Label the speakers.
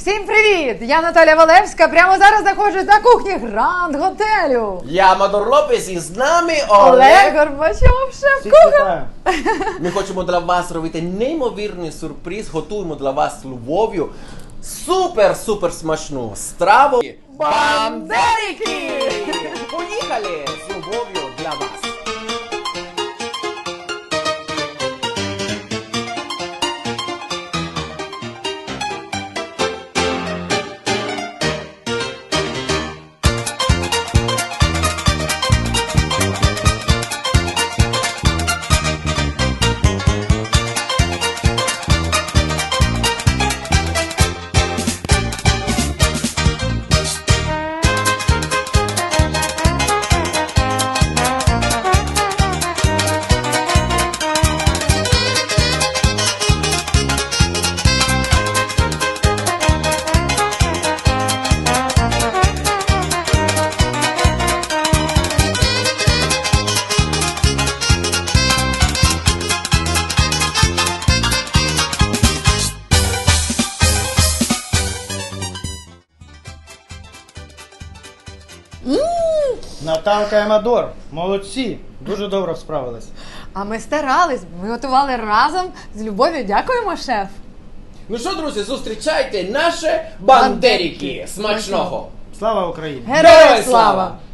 Speaker 1: Всім привіт! Я Наталя Валевська. Прямо зараз знаходжусь на кухні Гранд Готелю.
Speaker 2: Я Амадор Лопес і з нами
Speaker 1: Олег Горбачов, шеф-кухар.
Speaker 2: Ми хочемо для вас робити неймовірний сюрприз. Готуємо для вас з любов'ю супер смачну страву.
Speaker 1: Бандерики!
Speaker 2: Поїхали з любов'ю для вас.
Speaker 3: Наталка і Амадор, молодці, дуже добре справились.
Speaker 1: А ми старались, ми готували разом з любов'ю. Дякуємо, шеф.
Speaker 2: Ну що, друзі, зустрічайте наші бандерики. Смачного!
Speaker 3: Слава Україні!
Speaker 1: Героям слава!